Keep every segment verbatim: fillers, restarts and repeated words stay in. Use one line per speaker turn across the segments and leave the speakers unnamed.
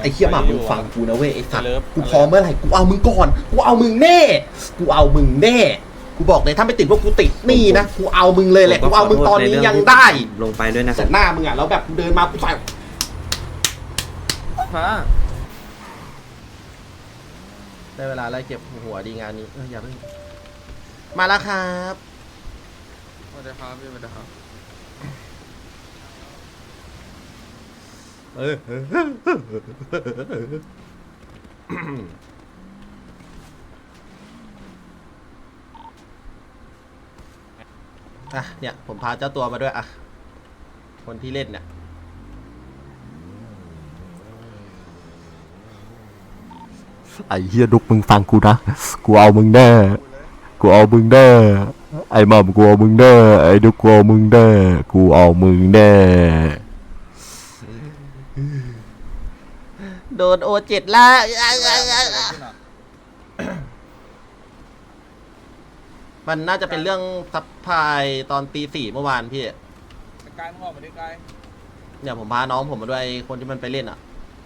อ้เหี้ยหมามึงฟังกูนะเว้ยไอ้สัตว์กูพร้อมเมื่อไหร่กูเอามึงก่อนกูเอามึงแน่กูเอามึงแน่กูบอกเลยถ้าไม่ติดพวกกูติดนี่นะกูเอามึงเลยแหละกูเอามึงตอนนี้ยังได้
ลงไปด้วยนะ
แต่หน้ามึงอ่ะแล้วแบบเดินมากูใส่ได้เวลาไล่เก็บหัวดีงานนี้เอออย่าเพิ่งมาแล้วครับ
สวัสดีครับพี่สวัสดีครับ
เอออ่ะเนี่ยผมพาเจ้าตัวมาด้วยอ่ะคนที่เล่นเนี่ยไอ้เฮียดุกมึงฟังกูนะกูเอามึงแน่กูเอามึงแน่ไอ้หม่อมกูเอามึงแน่ไอ้ดุกกูเอามึงแน่กูเอามึงแน่โดนโอเจ็ดละมันน่าจะเป็นเรื่องซับพลายตอนตีสี่เมื่อวานพี่
กายมึงออกมาดิกาย
เนี่ยผมพาน้องผมมาด้วยคนที่มันไปเล่นอ่ะ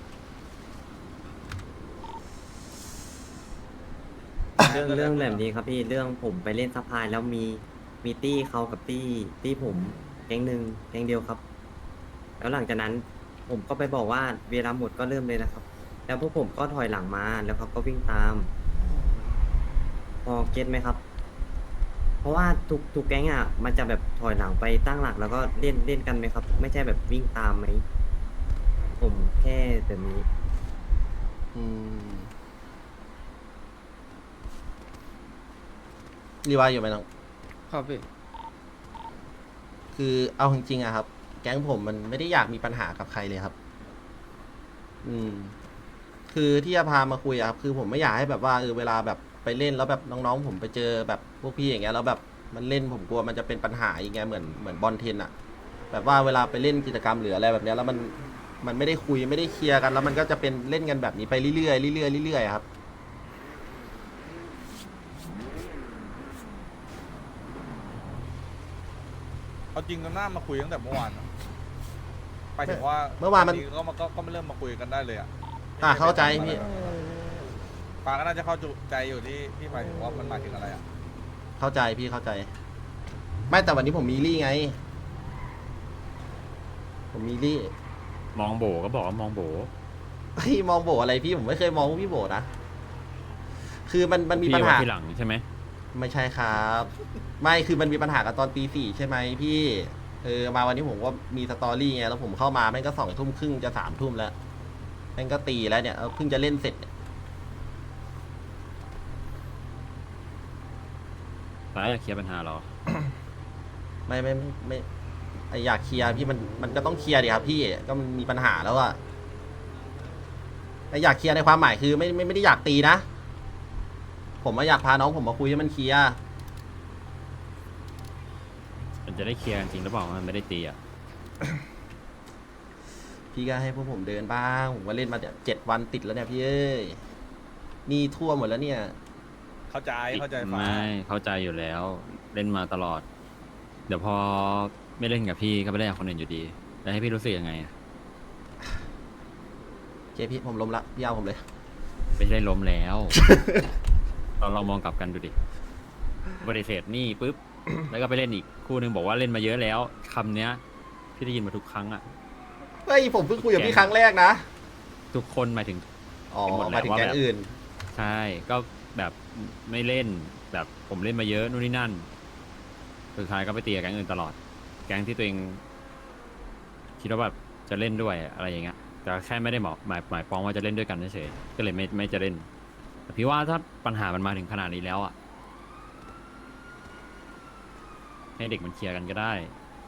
เรื่องเรื่องแบบนี้ครับพี่เรื่องผมไปเล่นซัพพลายแล้วมีมีตี้เขากับตี้ตี้ผมแก๊งหนึ่งแก๊งเดียวครับแล้วหลังจากนั้นผมก็ไปบอกว่าเวลาหมดก็เริ่มเลยนะครับแล้วพวกผมก็ถอยหลังมาแล้วเขาก็วิ่งตามพอเก็ตไหมครับเพราะว่าทุกทุกแก๊งอ่ะมันจะแบบถอยหลังไปตั้งหลักแล้วก็เล่นเล่นกันไหมครับไม่ใช่แบบวิ่งตามไหมผมแค่แบบนี้
อืมรีวายอยู่ไหมน้อง
ครับพี่
คือเอาจริงๆอะครับแก๊งผมมันไม่ได้อยากมีปัญหากับใครเลยครับอืมคือที่จะพามาคุยอะครับคือผมไม่อยากให้แบบว่าเออเวลาแบบไปเล่นแล้วแบบน้องๆผมไปเจอแบบพวกพี่อย่างเงี้ยแล้วแบบมันเล่นผมกลัวมันจะเป็นปัญหาอย่างเงี้ยเหมือนเหมือนบอลเทนอะแบบว่าเวลาไปเล่นกิจกรรมหรืออะไรแบบเนี้ยแล้วมันมันไม่ได้คุยไม่ได้เคลียร์กันแล้วมันก็จะเป็นเล่นกันแบบนี้ไปเรื่อยๆเรื่อยๆเรื่อยๆครับ
เอาจริงกันหน้ามาคุยตั้งแต่เมื่อวานไปถึงว่า
เมื่อวานมัน
ก็มาก็ก็ไม่เริ่มมาคุยกันได้เลยอ่ะ
อ่ะเข้าใจพี่
ปาก็น่าจะเข้าใจอยู่ที่ที่หมายถึงว่ามันหมายถึงอะไรอ่ะ
เข้าใจพี่เข้าใจไม่แต่วันนี้ผมมีรี่ไงผมมีรี่
มองโบก็บอกว่ามองโบ
เฮ้ยมองโบอะไรพี่ผมไม่เคยมองพี่โบนะคือมันมันมีปัญหา
ทีหลังใช่ไหม
ไม่ใช่ครับไม่คือมันมีปัญหากันตอนตีสี่ใช่ไหมพี่เออมาวันนี้ผมก็มีสตอรี่ไงแล้วผมเข้ามาแม่งก็สองทุ่มครึ่งจะสามทุ่มแล้วแม่งก็ตีแล้วเนี่ยเพิ่งจะเล่นเสร็จ
ตายอยากเคลียร์ปัญหาหรอ
ไม่ไม่ไม่ไออยากเคลียร์พี่มันมันก็ต้องเคลียร์ดิครับพี่ก็มันมีปัญหาแล้วอะไออยากเคลียร์ในความหมายคือไม่ไม่ไม่ได้อยากตีนะผมมาอยากพาน้องผมมาคุยให้มันเคลียร์
มันจะได้เคลียร์จริงหรือเปล่ามันไม่ได้ตีอ่ะ
พี่ก็ให้พวกผมเดินบ้างผมว่าเล่นมาเจ็ดวันติดแล้วเนี่ยพี่เอ้ยนี่ทั่วหมดแล้วเนี่ย
เข้าใจเข้าใจฟ้า
ไม่เข้าใจอยู่แล้วเล่นมาตลอดเดี๋ยวพอไม่เล่นกับพี่ก็ไม่ได้กับคนอื่นอยู่ดีแล้วให้พี่รู้สึกยังไง
เจ๊พี่ผมล้มละพี่เอาผมเลย
ไม่ได้ล้มแล้ว เราลองมองกลับกันดูดิบริเสธนี่ปุ๊บ แล้วก็ไปเล่นอีกคู่นึงบอกว่าเล่นมาเยอะแล้วคำเนี้ยพี่ได้ยินมาทุกครั้งอ่ะ
เฮ้ยผมเพิ่งคุยกับพี่ครั้งแรกนะ
ทุกคนหมายถึง
อ๋อหมายถึงแก๊งอื่น
ใช่ก็แบบไม่เล่นแบบผมเล่นมาเยอะนู่นนี่นั่นสุดท้ายก็ไปตีกับแก๊งอื่นตลอดแก๊งที่ตัวเองคิดว่าแบบจะเล่นด้วยอะไรอย่างเงี้ยแต่แค่ไม่ได้หมายหมายหมายปองว่าจะเล่นด้วยกันเฉยๆก็เลยไม่ไม่จะเล่นแต่พี่ว่าถ้าปัญหามันมาถึงขนาดนี้แล้วอ่ะให้เด็กมันเคลียร์กันก็ได้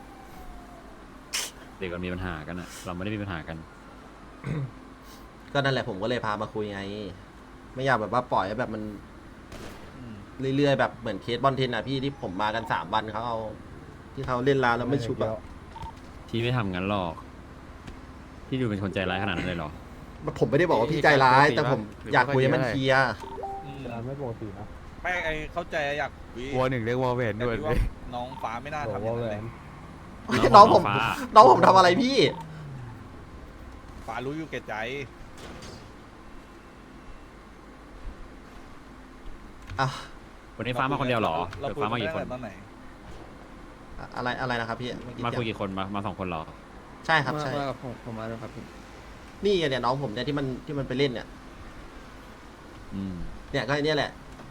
เด็กมันมีปัญหากันอ่ะเราไม่ได้มีปัญหากัน
ก็นั่นแหละผมก็เลยพามาคุยไงไม่อยากแบบว่าปล่อยให้แบบมันเรื่อยๆแบบเหมือนเคสบอลเทนอ่ะพี่ที่ผมมากันสามวันเขาเอาที่เขาเล่นลาแล้วไม่ชุบอะ
พี่ไม่ทำงั้นหรอกพี่ดูเป็นคนใจร้ายขนาดนั้นเลยหรอ
ผมไม่ได้บอกว่าพี่ใจร้ายแต่ผมอยากคุยให้มันเคลียร์
ไม่ปกตินะไม่ไอเข้าใจอยาก
วอหนึ่งเรียกวอลเวนด้วย
น้องฟ้าไม่น่าทำอย่างนั้นเลย
น้องผมน้องผมทำอะไรพี่
ฟ้ารู้อยู่แก่ใจ
อ่ะ
วันนี้ฟ้ามาคนเดียวเหรอ
เรา
หรือ
คุย
ฟ้า
กั
มาน กี่
ตั้ง
คน
แต่ตอนไหน
อะอะไรอะไรนะครับพี่เอ
มาคุย
เสียง
กี่คนมามาสองคนเหรอ
ใช่ครับ
มา
ใช่
มากับผมผมมาด้วยครับพี่
นี่ไงเนี่ยน้องผมเนี่ยที่มันที่มันไปเล่นเนี่ย
อืม
เนี่ยก็ไอ้เนี่ยแหละ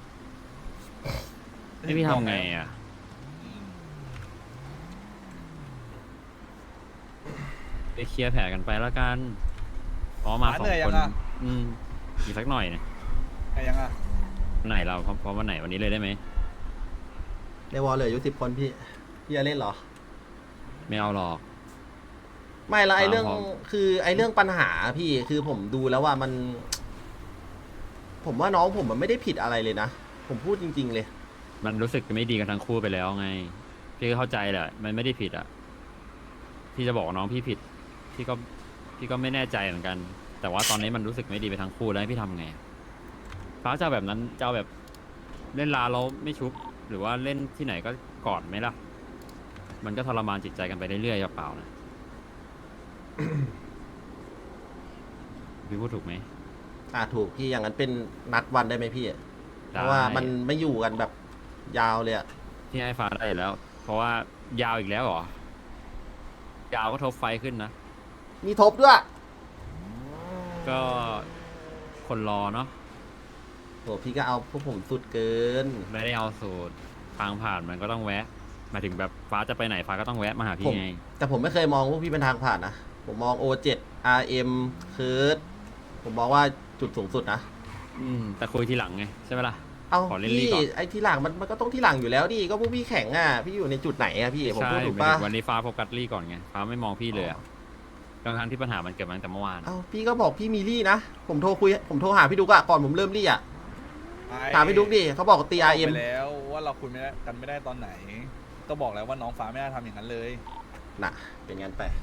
นี่พี่ทำไงอ่ะ ไปเคลียร์แผลกันไปแล้วกันอ๋อมา
ฟ้า
สอ
เหนื่
ง
อยยั
ค
ง
น
อะ
อืมอีกสักหน่อยนะ
ไงยังอ่ะ
วันไหนเราพร้อมพร้อมวันไหนวันนี้เลยได้ไหม
ในวอลเหลืออยู่สิบคนพี่พี่จะเล่นเหรอ
ไม่เอาหรอก
ไม่ละไอเรื่อง
พร้อม
คือไอเรื่องปัญหาพี่คือผมดูแล้วว่ามัน ผมว่าน้องผมมันไม่ได้ผิดอะไรเลยนะ ผมพูดจริง ๆ เลย
มันรู้สึกไม่ดีกันทั้งคู่ไปแล้วไง พี่ก็เข้าใจแหละ มันไม่ได้ผิดอ่ะ พี่จะบอกว่าน้องพี่ผิด พี่ก็พี่ก็ไม่แน่ใจเหมือนกัน แต่ว่าตอนนี้มันรู้สึกไม่ดีไปทั้งคู่แล้วให้พี่ทำไงฟ้าจะเอาแบบนั้นจะเอาแบบเล่นลาเราไม่ชุบ หรือว่าเล่นที่ไหนก็กอดไหมล่ะ มันก็ทรมานจิตใจกันไปเรื่อยๆเปล่าๆนะ พี่พูดถูกไหม
อ่าถูกพี่อย่างนั้นเป็นนัดวันได้ไหมพี่ เพราะว่ามันไม่อยู่กันแบบยาวเลยอะ
ที่ให้ฟ้าได้แล้ว เพราะว่ายาวอีกแล้วเหรอ ยาวก็ทบไฟขึ้นนะ
มีทบด้วย
ก็คนรอเนาะ
โหพี่ก็เอาพวกผมสุดเกิน
ไม่ได้เอาสูตรทางผ่านมันก็ต้องแวะหมายถึงแบบฟ้าจะไปไหนฟ้าก็ต้องแวะมาหา
ผ
พี่
ม
ไง
แต่ผมไม่เคยมองพวกพี่เป็นทางผ่านนะ ผมมอง โอ เซเว่น อาร์ เอ็ม เคิร์ดผมมองว่าจุดสูงสุดนะ
อืมแต่คุยทีหลังไงใช่ไหมล่ะ
เอา
ขอเล่น
พี่
ลี่ก่อน
ไอ้ที่หลังมันมันก็ต้องที่หลังอยู่แล้วดิก็พวกพี่แข่งอ่ะพี่อยู่ในจุดไหนอ่ะพี่ผม
ใช่
พูดถูก
หมาย
ปะ
ถึงวันนี้ฟ้าโฟกัสลี่ก่อนไงฟ้าไม่มองพี่เลยอะทั้งๆที่ปัญหามันเกิดมาตั้งแต่เมื่อวาน
เอาพี่ก็บอกพี่มีลี่นะ ผมโทรคุยผมโทรหาพี่ดุกอะก่อนผมเริ่มลี่อะถามพี่ดุกดิเขาบอกตี
บ
อา
อก
ร์เอ็ม
ไปแล้วว่าเราคุยไม่ได้กันไม่ได้ตอนไหน ก็บอกแล้วว่าน้องฟ้าไม่ได้ทำอย่างนั้นเลย
น่ะ เป็นงั้นไป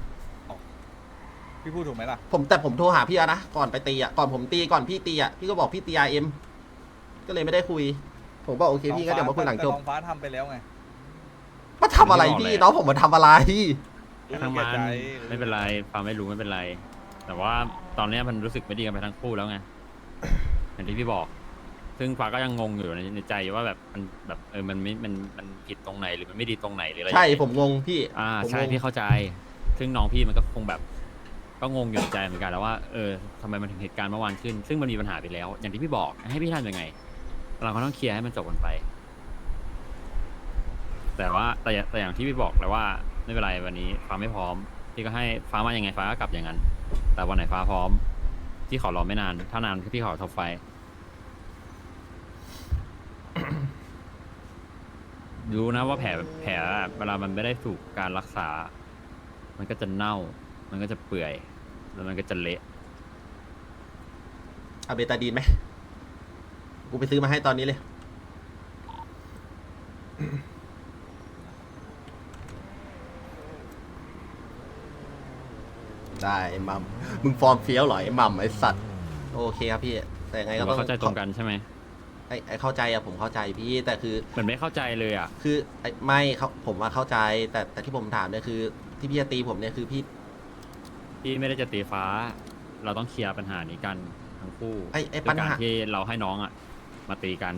พี่พูดถูกไหมล่ะ
ผมแต่ผมโทรหาพี่อะนะก่อนไปตีอะก่อนผมตีก่อนพี่ตีอะพี่ก็บอกพี่ตีอาร์เอ็มก็เลยไม่ได้คุย ผมบอกโอเคพี่ก็เดี๋ยวมาคุยหลังจบ
แต่น้องฟ้าทำไปแล้วไง
มาทำอะไรพี่น้องผมมาทำอะไร
ทั้งมัน
รู้แก่ใจ
ไม่เป็นไรฟ้าไม่รู้ไม่เป็นไร แต่ว่าตอนเนี้ยมันรู้สึกไม่ดีกันไปทั้งคู่แล้วไง อย่างที่พี่บอก ซึ่งฟ้าก็ยังงงอยู่ในในใจว่าแบบมันแบบเออมันไม่มันมันผิดตรงไหนหรือมันไม่ดีตรงไหนหรืออะไร
ใช่ผมงงพี่
อ่า
ผม
ใช่
งง
พี่เข้าใจ ซึ่งน้องพี่มันก็คงแบบ ก็งงอยู่ในใจเหมือนกันแล้วว่าเออทำไมมันถึงเหตุการณ์เมื่อวานขึ้น ซึ่งมันมีปัญหาไปแล้ว อย่างที่พี่บอกให้พี่ทำยังไง เราก็ต้องเคลียร์ให้มันจบกันไป แต่ว่าแต่อย่าแต่อย่างที่พี่บอกแล้วว่าไม่เป็นไรวันนี้ฟ้าไม่พร้อม พี่ก็ให้ฟ้ามายังไงฟ้าก็กลับอย่างนั้น แต่วันไหนฟ้าพร้อม พี่ขอรอไม่นาน ถ้านานพี่ขอทบไฟ รู้นะว่าแผลแผลเวลามันไม่ได้ถูกการรักษา มันก็จะเน่า มันก็จะเปื่อย แล้วมันก็จะเละ
เอาเบตาดีนไหมกูไปซื้อมาให้ตอนนี้เลย ได้ไอ้มัมมึงฟอร์มเฟี้ยวเหรอไอ้มัมไอ้สัตว์โอเคครับพี่ แต่ยังไง
หรื
ก็
อ
ต้อ
ว่าง เข้าใจตรงกันใช่ไหม
ไอ้ไอ้เข้าใจอะผมเข้าใจพี่แต่คือ
เหมือนไม่เข้าใจเลยอ่ะ
คือไอ้ไม่เขาผมว่าเข้าใจ แต่แต่ที่ผมถามเนี่ยคือ ที่พี่จะตีผมเนี่ยคือพี่
พี่ไม่ได้จะตีฟ้า เราต้องเคลียร์ปัญหานี้กันทั้งคู่
ไอ้ไอ้
ด้วย
ปัญ
การ
หา
ที่เราให้น้องอ่ะ มาตีกัน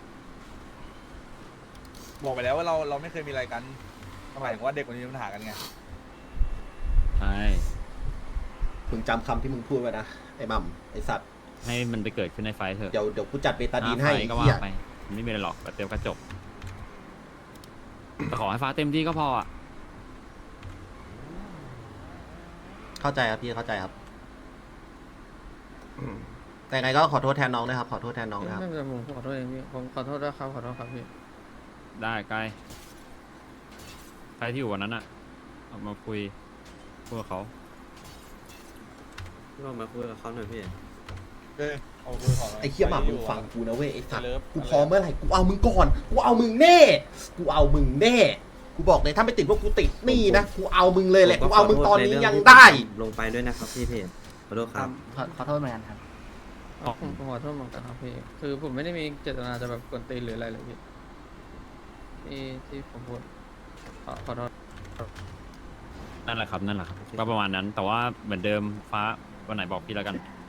บอกไปแล้วว่าเราเราไม่เคยมีอะไรกันหมายถึงว่าเด็กคนนี้มีปัญหากันไง
ใช่
มึงจำคำที่มึงพูดไว้นะไอ้มัมไอ้สัตว์
ให้มันไปเกิดขึ้นในไฟท์เถอะ
เดี๋ยวเดี๋ยวกูจัดเบตาดีน
อ่า
ให้
ไฟท์ก็
เหี้
ว่าย ไปมันไม่มีอะไรหรอกแต่เต็มกระจบแต่ขอให้ฟ้าเต็มที่ก็พออ่ะ
เข้าใจครับพี่เข้าใจครับอืมแต่ยังไงก็ขอโทษแทนน้องนะครับ ขอโทษแทนน้องนะครับ
ไม่เป็นไรผมขอโทษเองพี่ผมขอโทษด้วยครับขอโทษครับพี่
ได้ใกล้ใครที่อยู่วันนั้นอ่ะเอามาคุยพูดกับเขา
ลองมาคุยกับเขาหน่อยพี่
เอ้ยเอาคุยขอหน่
ไอ้เคี้ยหมามึงฟังกูนะเว้ยไอ้สัตว์
เลิฟ
กูพร้อมเมื่อไหร่กูเอามึงก่อน กูเอามึงแน่ กูเอามึงแน่ กูบอกเลยถ้าไม่ติดว่ากูติดนี่นะ กูเอามึงเลยแหละ กูเอามึงตอนนี้ยังได้
ลงไปด้วยนะครับพี่เพจขอโทษครับ
ขอขอโทษเหมือนกันครับ
อ๋อผมผมขอโทษเหมือนกันครับพี่คือผมไม่ได้มีเจตนาจะแบบกวนตีนหรืออะไรเลยพี่ที่ที่ผมพูดขอขอโทษ
นั่นแหละครับนั่นแหละครับก็ประมาณนั้น แต่ว่าเหมือนเดิมฟ้าวันไหนบอกพี่แล้วกัน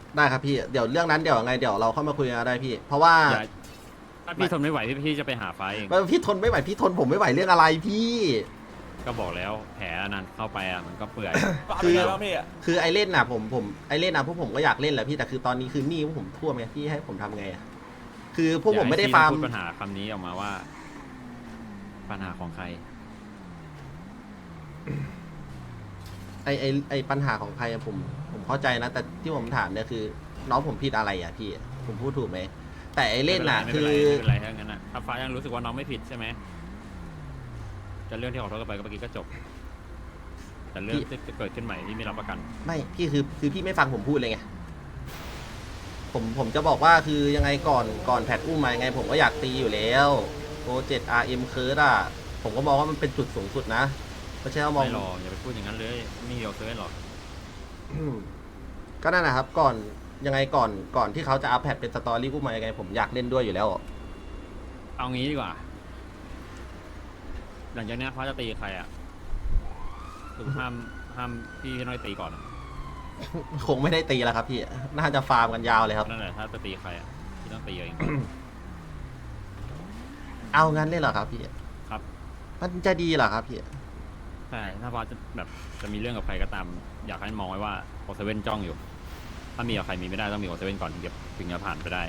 ได้ครับพี่เดี๋ยวเรื่องนั้นเดี๋ยวไงเดี๋ยวเราเข้ามาคุยกันได้พี่ เพราะว่า
อย่าถ้าพี่ทนไม่ไหวพี่พี่จะไปหาไฟเอง
พี่ทนไม่ไหวพี่ทนผมไม่ไหวเรื่องอะไรพี่
ก็บอกแล้วแผลนั้นเข้าไปอ่ะมันก็เปื่อย
คือ
เป็นไงบ้างพี่อะ
คือไอเล่นน่ะผมผมไอเล่นน่ะพวกผมก็อยากเล่นแหละพี่แต่คือตอนนี้คือหนี้พวกผมท่วมไงพี่ให้ผมทำไงอะคือพวกผมไม่ได้
อย่
ฟาร์ม
ให้พี่พูดปัญหาคำนี้ออกมาว่า ปัญหาของใคร
ไอไอไอปัญหาของใครอะผมผมเข้าใจนะแต่ที่ผมถามเนี่ยคือ น้องผมผิดอะไรอ่ะพี่ผมพูดถูกไหมแต่ไอเล่นน่ะ
ไม่
คื
เป็นไร
อ
ไม่เป็นไรไม่เป็นไรถ้างั้นอ่ะถ้าฟ้ายังรู้สึกว่าน้องไม่ผิดใช่ไหมจะเรื่องที่ขอโทษกันไปก็เมื่อกี้ก็จบ แต่เรื่องที่จะเกิดขึ้นใหม่ที่ไม่รับประกัน
ไม่พี่คือคือพี่ไม่ฟังผมพูดเลยไงผมผมจะบอกว่าคือยังไงก่อนก่อนแพทอุ้มมายังไง ผมก็อยากตีอยู่แล้วโปรเจกต์ อาร์ เอ็ม เคิร์ดอ่ะผมก็มองว่ามันเป็นจุดสูงสุดนะไม่ใช่ว่ามอง
ไม่หรอกอย่าไปพูดอย่างนั้นเลยไม่เดียวเซอร์หรอก
อืมก็นั่นนะครับ ก่อนยังไงก่อนก่อนที่เขาจะอัพแพทเป็นสตอรี่อุ้มมายังไง ผมอยากเล่นด้วยอยู่แล้ว
เอางี้ดีกว่า หลังจากเนี้ยฟ้าจะตีใครอ่ะคือห้ามห้ามพี่น้อยตีก่อนอะ
คงไม่ได้ตีแล้วครับพี่น่าจะฟาร์มกันยาวเลยครับ
นั่นแหละถ้าจะตีใครอ่ะพี่ต้องตีเอง
เอางั้นเลยเหรอครับพี่
ครับ
มันจะดีเหรอครับพี่
ใช่ถ้าฟ้าจะแบบจะมีเรื่องกับใครก็ตาม อยากให้มองไว้ว่าโอเซเว่นจ้องอยู่ ถ้ามีกับใครมีไม่ได้ต้องมีโอเซเว่นก่อนถึงจะถึงจะผ่านไปได้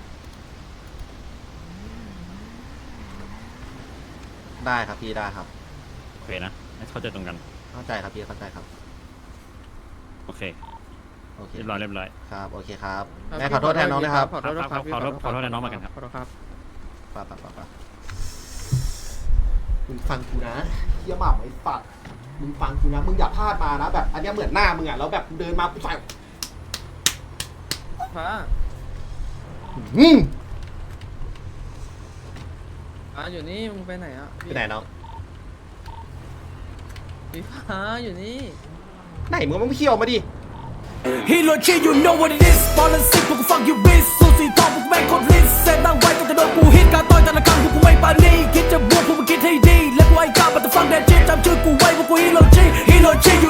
ได้ครับพี่ได้ครับ
โอเคนะให้เข้าใจตรงกัน
เข้าใจครับพี่เข้าใจครับ
โอเค
โอเค
เรียบร้อยเรียบร้อย
ครับโอเคครับ
ครับ
แม่ขอโทษแทนน้องนะครับ
ขอโทษด้วยครับพี่
ขอโทษขอโทษแทนน้องเหมือนกันครับ
ขอโทษครับ
ป่ะป่ะป่ะป่ะมึงฟังกูนะเฮียหม่ำไอ้ฝัดมึงฟังกูนะมึงอย่าพลาดมานะแบบ อันเนี้ยเหมือนหน้ามึงอ่ะแล้วแบบเดินมากูใส่
ฟ้า
อืม
ฟ้าอยู่นี่มึงไปไหนอ่ะ
ไปไหนน้อง
พี่ฟ้าอยู่นี่
ไหนมึงไม่เขี้ยวมาดิ
Hero G you know what it is บอลลันซิกพวกกูฟังยูบิสสูสีทองพวกกูแม่งโคตรลิสเซตตั้งไว้ตั้งแต่โดนกูฮิตการต่อยแต่ละครั้งพวกกูไม่ปานีคิดจะบวกพวกมึงคิดให้ดีและกูไอ้กล้าบัตรฟังแดนจิตจำชื่อกูไว้พวกกู Hero G Hero G you